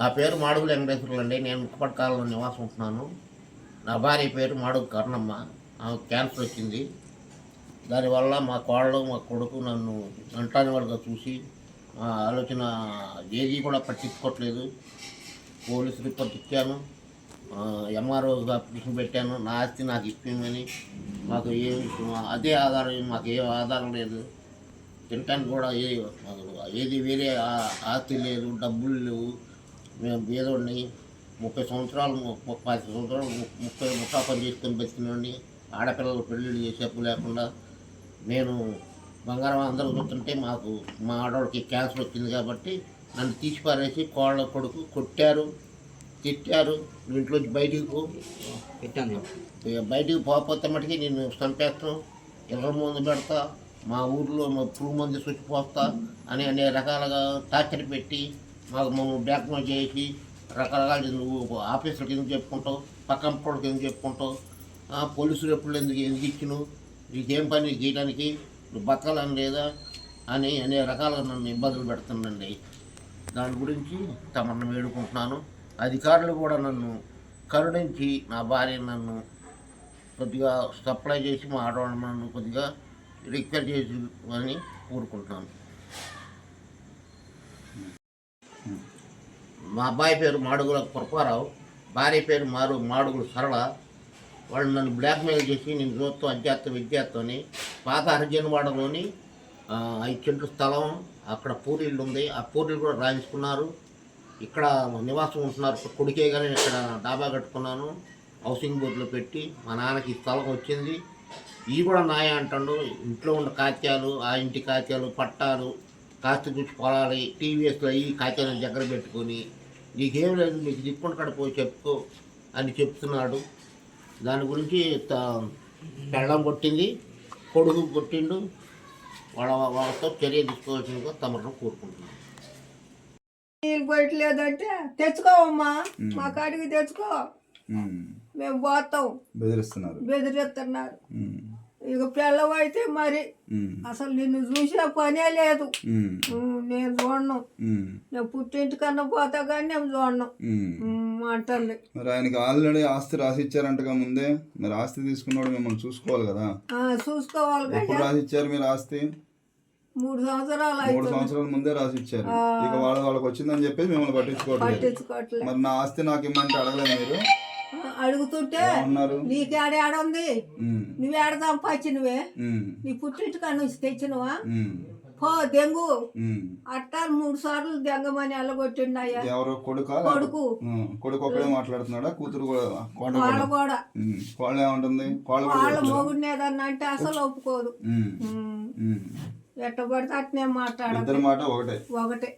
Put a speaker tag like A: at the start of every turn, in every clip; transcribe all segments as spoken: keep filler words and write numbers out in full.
A: పేరు మాడుగు వెంకటేశ్వరులు అండి. నేను ముక్కపట్టు కాలంలో నివాసం ఉంటున్నాను. నా భార్య పేరు మాడుగు కర్ణమ్మ. ఆమెకు క్యాన్సర్ వచ్చింది. దానివల్ల మా కోడలు మా కొడుకు నన్ను అంటాని వాళ్ళగా చూసి ఆ ఆలోచన ఏది కూడా పట్టించుకోవట్లేదు. పోలీసు రిపోర్ట్ ఇచ్చాను, ఎంఆర్ఓ అప్లికేషన్ పెట్టాను. నా ఆస్తి నాకు ఇప్పమని. మాకు ఏ అదే ఆధారం, మాకు ఏ ఆధారం లేదు. తినటానికి కూడా ఏ ఏది వేరే ఆస్తి లేదు, డబ్బులు లేవు. మేము బీదోడిని, ముప్పై సంవత్సరాలు ముప్పై సంవత్సరాలు ముప్పై ముఠా పని చేసుకొని బతికినోడిని. ఆడపిల్లలు పెళ్ళిళ్ళు చేసే అప్పు లేకుండా నేను బంగారం అందరూ చూస్తుంటే మాకు మా ఆడవాడికి క్యాన్సర్ వచ్చింది కాబట్టి నన్ను తీసి పారేసి కోళ్ళ కొడుకు కొట్టారు, తిట్టారు. ఇంట్లోంచి బయటికి పో పెట్టాను, బయటికి పోకపోతే మటుకి నేను చంపేస్తాను, ఎర్ర ముందు పెడతా, మా ఊర్లో మా పురుగు మంది చచ్చిపోస్తా అని అనేక రకాలుగా టార్చర్ పెట్టి మాకు మమ్మల్ని బ్లాక్మెయిల్ చేసి రకరకాల నువ్వు ఆఫీసులకు ఎందుకు చెప్పుకుంటావు, పక్కన పొడికి ఎందుకు చెప్పుకుంటావు, పోలీసులు ఎప్పుడు ఎందుకు ఎందుకు ఇచ్చినావు, నీకేం పని చేయడానికి, నువ్వు బతకాలని లేదా అని అనేక రకాలుగా నన్ను ఇబ్బందులు పెడుతుందండి. దాని గురించి తమను వేడుకుంటున్నాను. అధికారులు కూడా నన్ను కరుణించి నా భార్య నన్ను కొద్దిగా సప్లై చేసి మా ఆడవాళ్ళ నన్ను కొద్దిగా రిక్వెస్ట్ చేసి అని కోరుకుంటున్నాను. మా అబ్బాయి పేరు మాడుగుల కృపారావు, భార్య పేరు మారు మాడుగుల సరళ. వాళ్ళు నన్ను బ్లాక్మెయిల్ చేసి నేను చూస్తూ అధ్యాత్మ విద్యార్థిని పాత హరిజనవాడలోని ఐదు సెంట్ల స్థలం, అక్కడ పూరీళ్ళు ఉంది, ఆ పూరీలు కూడా రాయించుకున్నారు. ఇక్కడ నివాసం ఉంటున్నారు కొడుకే, కానీ ఇక్కడ డాబా కట్టుకున్నాను, హౌసింగ్ బోర్డులో పెట్టి మా నాన్నకి స్థలం వచ్చింది. ఇవి కూడా నాయ అంటాడు. ఇంట్లో ఉన్న కాత్యాలు, ఆ ఇంటి కాత్యాలు, పట్టాలు, కాస్త గుచ్చి పొలాలి, టీవీఎస్లో ఈ కాత్యాలను దగ్గర పెట్టుకొని నీకేం లేదు, నీకు దిక్కుండా కడ పోయి చెప్పుకో అని చెప్తున్నాడు. దాని గురించి పెళ్ళం కొట్టింది, కొడుకు కొట్టిండు. వాళ్ళ వాళ్ళతో చర్య తీసుకోవాల్సిందిగా తమను కోరుకుంటున్నాను.
B: నీళ్ళు పోయట్లేదంటే తెచ్చుకోవమ్మా, మా కాడికి తెచ్చుకో, మేము పోతాం. బెదిరిస్తున్నారు బెదిరిస్తున్నారు ఇక పిల్లవైతే మరి అసలు నిన్ను చూసే పనే లేదు. నేను చూడను, నేను పుట్టింటి కన్నా పోతా కానీ నేను చూడను అంటుంది.
C: మరి ఆయనకి ఆల్రెడీ ఆస్తి రాసి ఇచ్చారంటగా ముందే. మరి ఆస్తి తీసుకున్నాడు మిమ్మల్ని చూసుకోవాలి కదా.
B: చూసుకోవాలి.
C: ఎప్పుడు రాసి ఇచ్చారు మీరు ఆస్తి?
B: మూడు సంవత్సరాలు
C: మూడు సంవత్సరాల ముందే రాసి ఇచ్చారు. ఇక వాళ్ళ వాళ్ళకి వచ్చిందని చెప్పేసి మిమ్మల్ని పట్టించుకోవట్లేదు. మరి నా ఆస్తి నాకు ఇమ్మంటే అడగలేదు మీరు?
B: అడుగుతుంటే నీకేడే ఆడుంది, నువ్వేడ సంపాదించినవే, నీ పుట్టింటికా నుంచి తెచ్చినవా, పో దెంగు అట్టా మూడు సార్లు దెంగమని ఎల్లగొట్టిండయ్యా.
C: ఎవరు కొడుకు? కొడుకు కొడుకు ఒక్కడే మాట్లాడుతున్నాడా? కూతురు
B: వాళ్ళ కూడా
C: వాళ్ళు ఏమంటుంది?
B: వాళ్ళ మొగుడిని ఏదన్నా అంటే అసలు ఒప్పుకోదు. ఎట్ట పడితే అట్నే మాట్లాడాలి.
C: మాట ఒకటే ఒకటే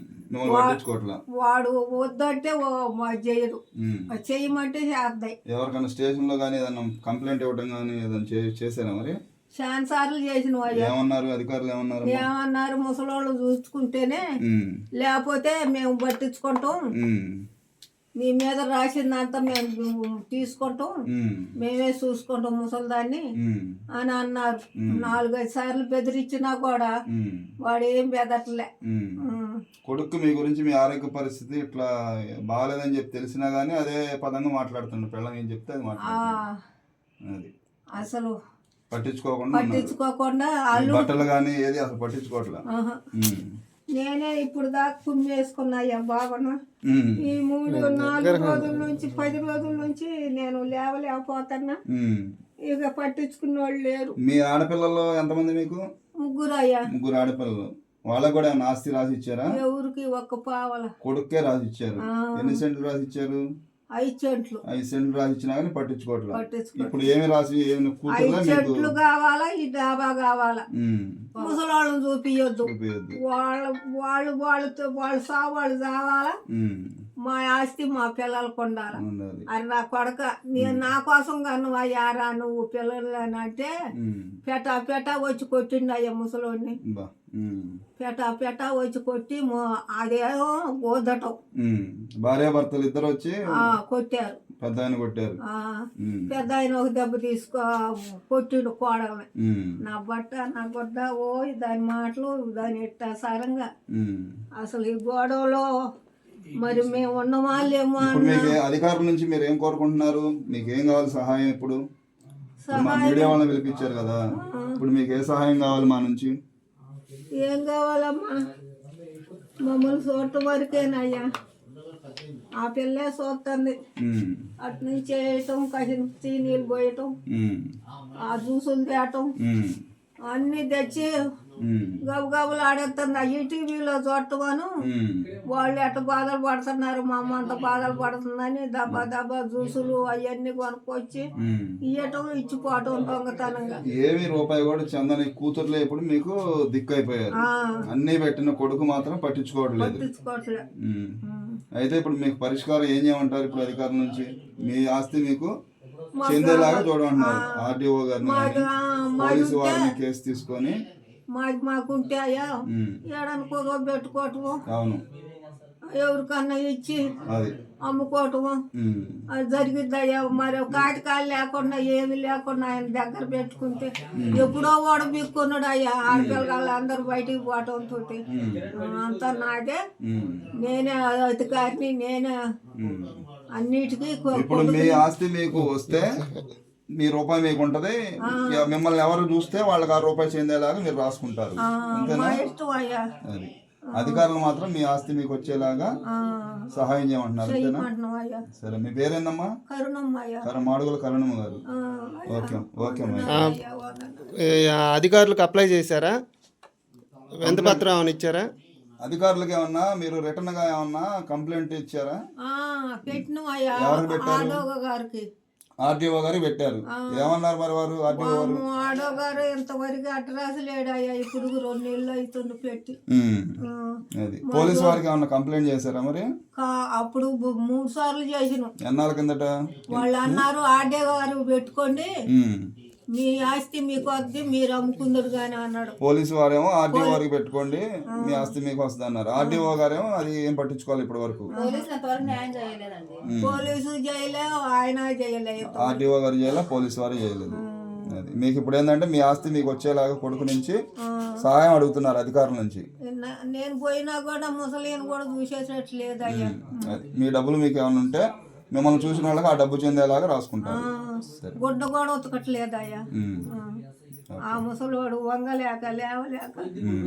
B: వాడు వద్దంటే చెయ్యదు, చెయ్యమంటే చేస్తాయి.
C: ఎవరికైనా స్టేషన్ లో కానీ ఏదైనా కంప్లైంట్ ఇవ్వడం కానీ ఏదైనా చేశారా? మరి
B: చాలా సార్లు చేసిన
C: ఏమన్నారు అధికారులు? ఏమన్నారు?
B: ఏమన్నారు ముసలోళ్ళు చూసుకుంటేనే, లేకపోతే మేము పట్టించుకుంటాం, మీ మీద రాసిందంతా మేము తీసుకుంటాం, మేమే చూసుకుంటాం ముసలిదాన్ని అని అన్నారు. నాలుగైదు సార్లు బెదిరించినా కూడా వాడు ఏం బెదట్లే.
C: కొడుకు మీ గురించి మీ ఆరోగ్య పరిస్థితి ఇట్లా బాగాలేదని చెప్పి తెలిసినా గానీ అదే పదంగా మాట్లాడుతుండే. పిల్లలు ఏం చెప్తే అది మాట్లాడుతుంది.
B: అసలు
C: పట్టించుకోకుండా
B: పట్టించుకోకుండా
C: బట్టలు కానీ ఏది అసలు పట్టించుకోవట్లా.
B: నేనే ఇప్పుడు దాకా కుమ్మి వేసుకున్నాయ్యా బాబను. ఈ మూడు నాలుగు రోజుల నుంచి పది రోజుల నుంచి నేను లేవలేకపోతున్నా. ఇక పట్టించుకున్న వాళ్ళు లేరు.
C: మీ ఆడపిల్లలు ఎంతమంది మీకు?
B: ముగ్గురు అయ్యా.
C: ముగ్గురు ఆడపిల్లలు. వాళ్ళకు కూడా ఏమైనా ఆస్తి రాసి ఇచ్చారా?
B: ఎవరికి ఒక్క పావల.
C: కొడుకే రాసి ఇచ్చారు. ఎన్ని సెంట్లు రాసి ఇచ్చారు?
B: ఐదు చెట్లు.
C: ఐదు సెంట్లు రాసి ఇచ్చినా కానీ పట్టించుకోవట్లేదు. ఇప్పుడు ఏమి రాసి ఏమి
B: చెట్లు కావాలా, ఈ డాబా కావాలా, ముసలాళ్ళని చూపియొద్దు, వాళ్ళ వాళ్ళు వాళ్ళతో వాళ్ళు సా వాళ్ళు కావాలా, మా ఆస్తి మా పిల్లలకు ఉండాలి. అది నా కొడక, నేను నా కోసం కనువా యారా నువ్వు పిల్లలు అని అంటే పెటా పెటా వచ్చి కొట్టిండు అయ్యా ముసలోడిని. పెటా పెటా వచ్చి కొట్టి అదేమో గోదటం.
C: భార్యాభర్తలు ఇద్దరు వచ్చి
B: కొట్టారు.
C: పెద్ద ఆయన కొట్టారు.
B: పెద్ద ఆయన ఒక దెబ్బ తీసుకో కొట్టిండు కోడల్ని. నా బట్ట నా గుడ్డ ఓ దాని మాటలు దాని ఇట్ట సారంగా అసలు ఈ గొడవలో మరి మేము ఉన్నమా లేమో
C: ఇప్పుడు
B: అన్న
C: మీకు ఏ- అధికారుల నుంచి మీరు ఏం కోరుకుంటున్నారు? మీకు ఏం కావాలి సహాయం? ఇప్పుడు ఇప్పుడు మా
B: సహాయం
C: మీడియా వాళ్ళని పిలిపించారు కదా, ఇప్పుడు మీకు ఏ సహాయం కావాలి మా నుంచి?
B: ఏం కావాలమ్మా? మమ్మల్ని చూడటం వరకేనయ్యా. ఆ పిల్లే చూస్తుంది.
C: ఉమ్,
B: అటు నుంచి వేయటం, కసిన నీళ్ళు పోయటం,
C: ఉమ్,
B: ఆ జ్యూసులు తేయటం
C: ఉమ్,
B: అన్నీ తెచ్చి
C: ఉమ్,
B: గబగబులు ఆడేస్తుంది. ఈ టీవీలో చూడటమను
C: ఉమ్,
B: వాళ్ళు ఎట్ట బాధలు పడుతున్నారు, మా అమ్మ అంత బాధలు పడుతుందని దబ్బా దబ్బా జ్యూసులు అవన్నీ కొనుక్కొచ్చి
C: ఉమ్.
B: ఇయ్యటం ఇచ్చిపోవటం దొంగతనంగా.
C: ఏమి రూపాయి కూడా చందని కూతుర్లే ఇప్పుడు మీకు దిక్కు అయిపోయారు.
B: ఆ,
C: అన్నీ పెట్టిన కొడుకు మాత్రం పట్టించుకోవట్లేదు.
B: పట్టించుకోవట్లే.
C: ఉమ్.
B: ఉమ్.
C: అయితే ఇప్పుడు మీకు పరిష్కారం ఏం చేయమంటారు? ఇప్పుడు అధికారుల నుంచి మీ ఆస్తి మీకు
B: మాకు
C: చెందేలాగా చూడమంటున్నారు. ఆర్డీఓ గారిని
B: మాది
C: కానీ
B: ఆ, మాది
C: పోలీసు
B: ఉంటే
C: వారిని కేసు తీసుకొని.
B: మాది మాకుంటే అయ్యా
C: ఉమ్,
B: ఏడనుకోదో పెట్టుకోవటము,
C: అవును,
B: ఎవరికన్నా ఇచ్చి
C: అది.
B: అమ్ముకోవటము
C: ఉమ్,
B: అది జరిగిద్దయ్యా. మరి కాటికాయలు లేకుండా ఏమి లేకుండా ఆయన దగ్గర పెట్టుకుంటే ఎప్పుడో వాడు బిక్కున్నాడు అయ్యా. ఆడపిల్లలు అందరూ బయటికి పోవటంతో అంతా నాదే.
C: ఉమ్,
B: నేనే అధికారిని, నేనే
C: ఉమ్.
B: అన్నిటికీ కొ-
C: ఇప్పుడు మీ ఆస్తి మీకు వస్తే మీ రూపాయి మీకు ఉంటది. ఇక మిమ్మల్ని ఎవరు చూస్తే వాళ్ళకి ఆ రూపాయి చెందేలాగా మీరు రాసుకుంటారు.
B: ఆ,
C: అంతేనా?
B: మా ఇష్టం అయ్యా.
C: అది అధికారులు మాత్రం మీ ఆస్తి మీకు వచ్చేలాగా
B: ఆ,
C: సహాయం చేయమంటున్నారు. అంతేనా?
B: చెయ్యమంటున్నాం అయ్యా.
C: సరే, మీ పేరేందమ్మా?
B: కరుణమ్మ అయ్యా.
C: కర మాడుగుల కరణమ్మ గారు.
B: ఆ,
C: ఓకే ఓకే అమ్మా.
B: అయ్యా, వందనాలు.
D: ఈ అధికారులకు అప్లై చేశారా? ఎంత పత్రం ఏమైనా ఇచ్చారా?
C: అధికారులకు ఏమన్నా మీరు రిటర్న్ గా ఏమన్నా కంప్లైంట్ ఇచ్చారా?
B: ఆ, పెట్టినాం అయ్యా.
C: ఎవరికి పెట్టారు?
B: ఆడోగ గారికి.
C: ఆర్టీఓ గారు పెట్టారు. ఏమన్నారు మరి వారు? ఆర్టీఓ గారు
B: మా ఆడో గారు ఇంతవరకు అడ్రస్ లేడయ్యా. ఇప్పుడు రెండు నెలలు అవుతుంది పెట్టి.
C: ఉమ్,
B: ఆ,
C: అది పోలీసు వారికి ఏమన్నా కంప్లైంట్ చేశారా మరి?
B: కా- అప్పుడు బు- మూడు సార్లు చేసినాం.
C: ఎన్నాళ్ళ కిందట?
B: వాళ్ళు అన్నారు ఆడే గారు పెట్టుకోండి,
C: ఉమ్.
B: మీ ఆస్తి మీకు వద్ది, మీరు అమ్ముకుందరు కానీ అన్నాడు.
C: పోలీసు వారేమో ఆర్టీఓ వారికి పెట్టుకోండి, మీ ఆస్తి మీకు వస్తుంది అన్నారు. ఆర్టీఓ గారేమో అది ఏం పట్టించుకోవాలి ఇప్పటి వరకు.
B: పోలీసు చేయలే, ఆయన చేయలేదు.
C: ఆర్టీఓ గారు చేయాల, పోలీసు వారు చేయలేదు. అది మీకు ఇప్పుడు ఏంటంటే మీ ఆస్తి మీకు వచ్చేలాగా కొడుకు నుంచి సహాయం అడుగుతున్నారు అధికారుల నుంచి.
B: న- నేను పోయినా కూడా ముసలిని కూడా చూసేటట్టు లేదయ్యా.
C: అది మీ డబ్బులు మీకు ఏమైనా ఉంటే మిమ్మల్ని చూసిన వాళ్ళకి ఆ డబ్బు చెందేలాగా రాసుకుంటారు. సరే.
B: గుడ్డ కూడా ఉతకట్లేదయ్యా.
C: ఉమ్,
B: ఆ ముసలివాడు వంగలేక లేవలేక
C: ఉమ్,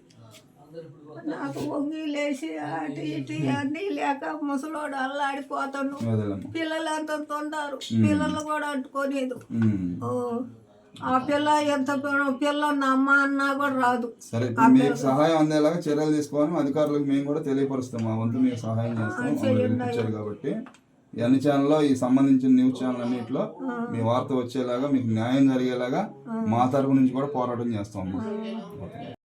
B: నాకు వంగి లేచి అటు ఇటు అన్నీ లేక ముసలోడు అల్లాడిపోతాడు.
C: వదలమ్మ.
B: పిల్లలు ఎంత తొండారు, పిల్లలు కూడా అంటుకోలేదు.
C: ఉమ్.
B: ఓ, ఆ పిల్ల ఎంత పి- పిల్ల ఉన్న అమ్మ అన్నా కూడా రాదు.
C: సరే, ఇప్పుడు మీకు సహాయం అందేలాగా చర్యలు తీసుకోవాలని అధికారులకు మేము కూడా తెలియపరుస్తాం. మా వంతు మీకు సహాయం చేస్తాం. మమ్మల్ని పిలిపించారు కాబట్టి ఈ అన్ని ఛానల్లో ఈ సంబంధించిన న్యూస్ ఛానల్ అన్నింటిలో మీ వార్త వచ్చేలాగా మీకు న్యాయం జరిగేలాగా మా తరపు నుంచి కూడా పోరాటం చేస్తాం.